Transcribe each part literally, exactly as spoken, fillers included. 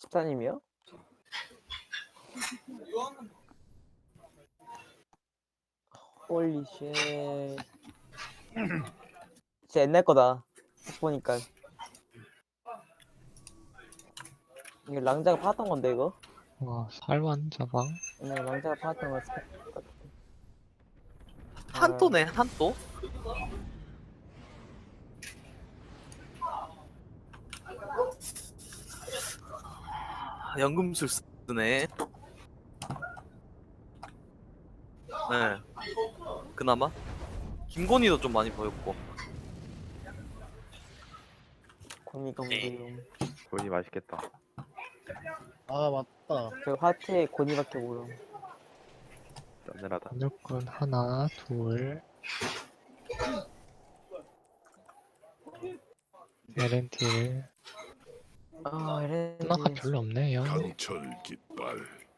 십사님이요? 홀리 쉣. 진짜 옛날 거다. 보니까. 이거 랑자가 팔았던 건데 이거? 와, 살만 자방. 옛날에 랑자가 팔았던 거 스펙 같아. 한또네 한또. 아, 연금술 쓰네. 네. 그나마 김건희도 좀 많이 보였고. 고니가 모르요. 고니 맛있겠다. 아 맞다. 저 하트에 고니밖에 모르. 짠늘하다. 무조건 하나, 둘. 에렌틸. 아 이래. 하나가 별로 없네요. 강철 깃발.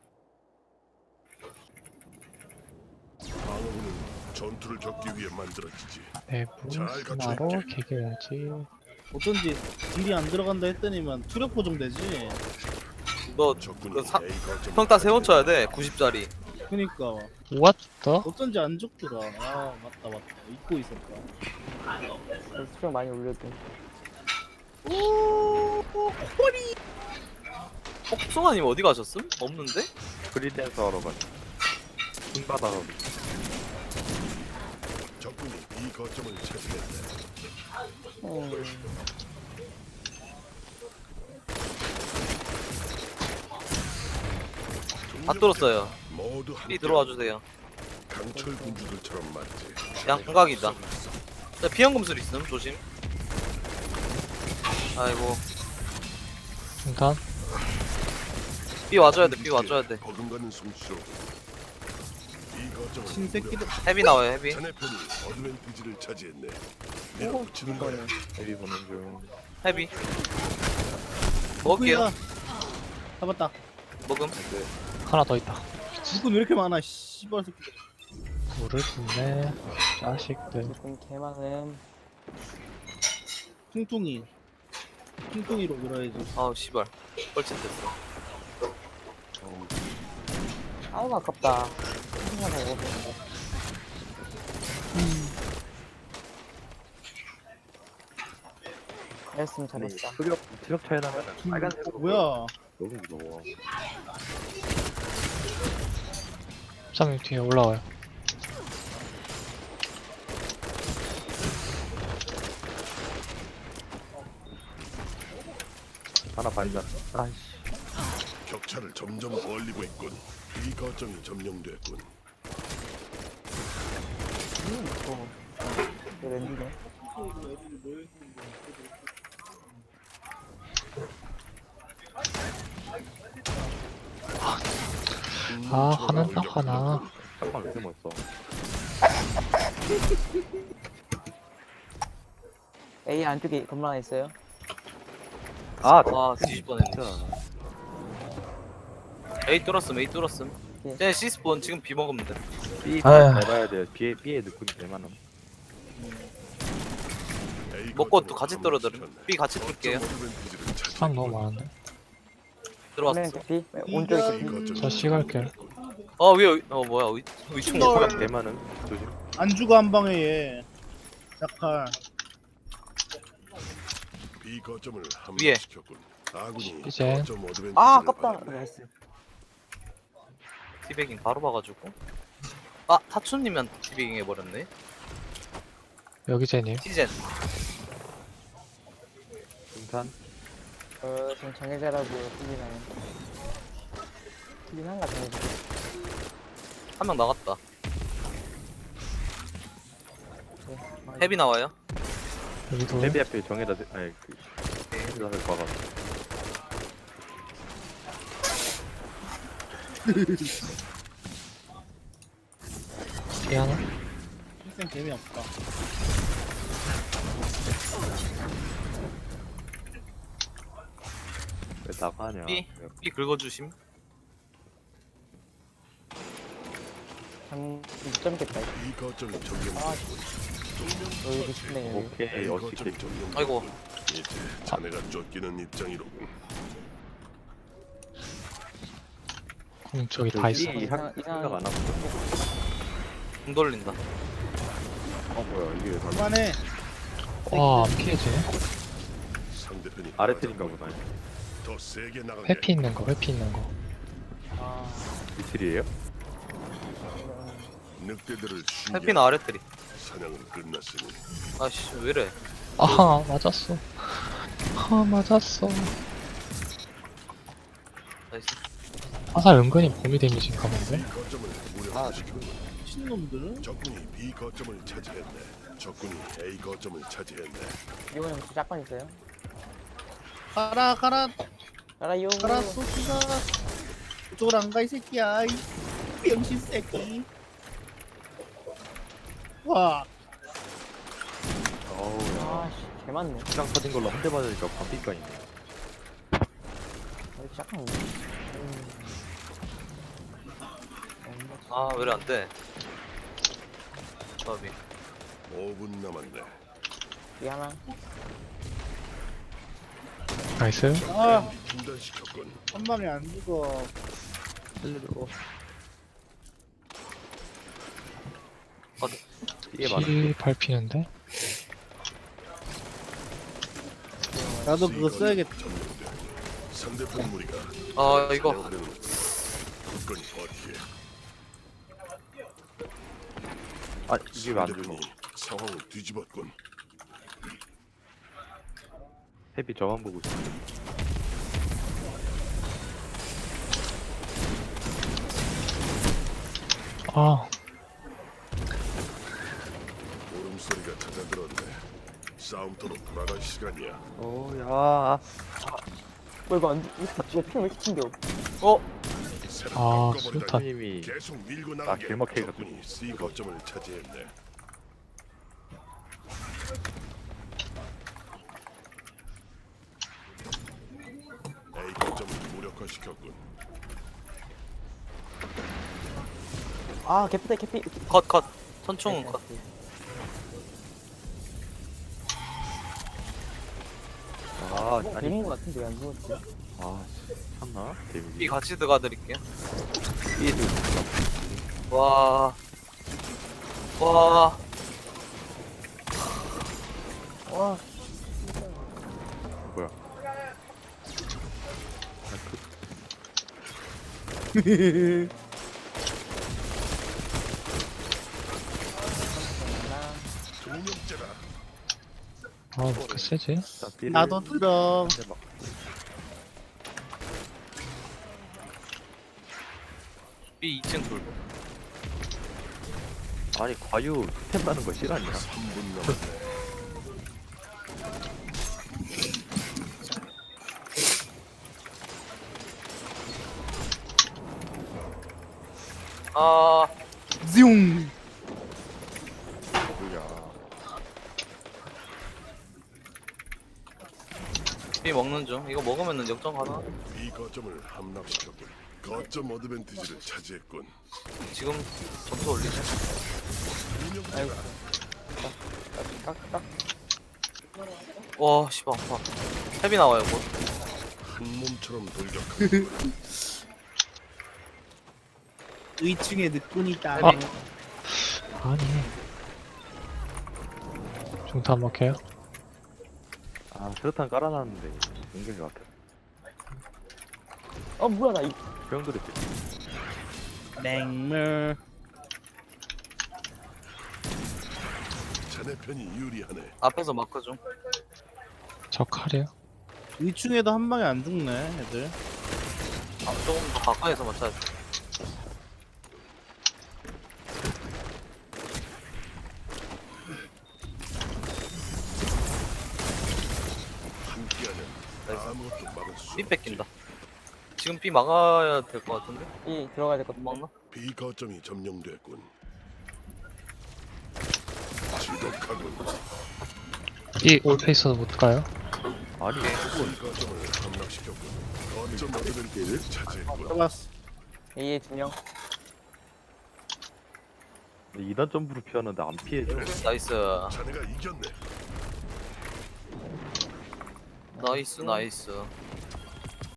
방어는 전투를 겪기 위해 만들어지지. 내부 잘 스나로 갖춰있게. 개겨야지. 어쩐지 딜이 안 들어간다 했더니만 투력 보정되지. 너 적군이 그 사- A 거점을 평타 세 번 쳐야 돼. 구십짜리. 그니까 우왔다? 어쩐지 안 죽더라. 아 맞다 맞다 잊고 있었다. 수평 많이 올려도. 복숭아님 어디 가셨음? 없는데? 프리댄서 하러 가자. 킹바다로. 적군이 B 거점을 차지했다. 음. 다 뚫었어요. 모두 B 함께 들어와 주세요. 강철 군주들처럼 맞지. 양각이다. 자, 비연금술 있음 조심. 아이고 중단. B 와줘야 돼. B 와줘야 돼. 버금가는 솜씨로 B 거점을 신새끼들. 헤비 나와요 헤비. 자네 편이 어드밴티지를 차지했네. 밀어붙이는 거야. 헤비 보는 중. 헤비. 먹을게요. 누구야? 잡았다. 먹음. 하나 더 있다. 누군 왜 이렇게 많아? 씨발 새끼. 물을 붓네. 자식들. 조금 개많음. 퉁퉁이. 퉁퉁이로 밀어야지. 아우 씨발. 뻘짓됐어. 아우 아깝다. 생각나 이거 보는데. 잘했으면 잘했다. 수력 수력 차이 나면 빨간색. 어, 뭐야? 너무 무서워. 삼님 뒤에 올라와요. 하나 반전. 아이씨. 격차를 점점 벌리고 있군. B 거점이 점령됐군. 음, 무서워. 이거 랜디네. 아, 하나 딱 하나. 잠깐만 왜 이렇게 멋있어. A 안쪽에 건물 하나 있어요. 아, 와 뒤질 뻔했네. 진짜. A 뚫었음 A 뚫었음. 예. 쟤 C스폰 지금 B 먹으면 돼. B 아휴. 잘 봐야 돼요. B에 B에 느낌이 대만함. A 먹고 거점을 또 같이 함으로 떨어들음. 시켰네. B 같이 뚫게요. 거점 어드밴티지를 차지했군. 사람 너무 많은데. 들어왔어. 피 오른쪽에 A 피. 거점을 저 시갈게. 어 위에 어 뭐야 위 위층 뭐야? 대만은 조심. 안 죽어 한 방에 얘. 자칼. B 거점을 위에. 함락시켰군. 아군이 이제. 거점 어드밴티지를 아 아깝다. 받았네. 나이스. 티베깅 바로 봐가지고. 아 타추님한테 티베깅 해버렸네. 여기 제님. 티젠. 중탄. 어 지금 정해자라고 틀리나요? 틀린 한가 정해자. 한 명 나갔다. 네. 헤비 나와요. 여기도. 헤비 앞에 정해다. 대- 아니 그. 헤비가 될 거가. 뒤에 하나. 일생 재미없다. 왜 나가냐? B B 긁어주심. 장 못 잡겠다. 이거. B 거점이 점령됐군. 여기도 싶네 여기. 오케이 A 어떻게? 거점이 점령됐군. 아이고 이제 자네가 쫓기는 입장이로군. 음, 저기 다 있어. 이 학- 이상- 이상- 생각 안 하고. 공 돌린다. 어 뭐야 이게 다 그만해. 와, 안 피해지네. 상대편이 아래 틀인가 보다. 더 세게 나가게. 회피 있는 거, 회피 있는 거. 아, 미칠이에요? 늑대들을 숨겨. 해피는 아래 트리. 사냥은 끝났으니 아씨 왜래? 아, 맞았어. 아, 맞았어. 나이스. 화살 은근히 범위 데미지인가 본데? B 거점을 무력화시켰군. 미친놈들. 적군이 B 거점을 차지했네. 적군이 A 거점을 차지했네. 이번에 혹시 짝방 있어요? 가라 가라 알아요. 가라 소피가. 그쪽으로 안 가 이 새끼야. 이 병신 새끼. 와. 어우 야. 아씨, 개 많네. 시장 터진 걸로 한 대 맞으니까 반피가 있네. 여기 짝방 있네. 음. 아 왜래 안 돼? 저비. 오 분 남았네. 이 하나. 나이스. 아, 중단시켰군. 한 방에 안 죽어. 살려주고. 이게 맞아. 피 밟히는데? 나도 그거 C 써야겠다. 거점이 점령되고 상대편 무리가 아 이거 사냥하려는 굳건히 버티게. 아 이게 왜안 죽어? 상대편이 상황을 뒤집었군. 헤비 저만 보고 있어. 아, 울음소리가 찾아들었네. 싸움터로 돌아갈 시간이야. 오야. 뭐 이거 안, 이거 이거 피는 왜 이렇게 튕겨? 어 새를 아, 바꿔버리다니. 수류탄. 님이 계속 밀고 나가게. 길막해가지고. 적군이 C 거점을 차지했네. A 거점을 무력화시켰군. 아, 개피다, 개피. 컷 컷. 선충 컷. 아 어, 아니 되는 거 같은데 왜 안 죽었지? 아 참나 B 데미지. 같이 들어가 드릴게요. B도 와. 와. 와, 뭐야? 나 동력자다. 아, 뭐 이렇게 세지? 자, B를 나도 들어. 한 대 막. B 이 층 돌. 아니 과유 템 나는 거 싫어하냐? 삼 분 남았네. 아 뭝. 뭐야? B 먹는 중. 이거 먹으면은 역전 가나? B 거점을 함락시켰군. 거점 어드밴티지를 차지했군. 지금 점수 올리죠. 동력자다. 딱, 딱. 와 씨발 아파. 헤비 나와요 곧. 한 몸처럼 돌격하는 의충의 늑군이다. 아. 아니. 중탄 먹혀요? 아 수류탄 깔아놨는데 연결이 같아. 어, 뭐야, 나 이, 병들이 맹물. 자네 편이 유리하네. 앞에서 마크 중. 저 칼이요? 의충에도 한 방에 안 죽네, 애들. 아, 조금 더 가까이서 맞춰야 돼. 함께하면 나이스. 아무것도 막을 수 B 없지. 뺏긴다. 지금 B 막아야 될 것 같은데? 이 들어가야 될 것 못 같아. 막나? B 거점이 점령됐군. 지독하군. 이 올페이스도 못 가요? 아니 B 거점을 함락시켰군. 거점 어드밴티지를 차지했군. 잡았어. A의 두 명. 이 단 점프로 피하는데 안 피해줘. 나이스. 자네가 이겼네. 나이스 나이스.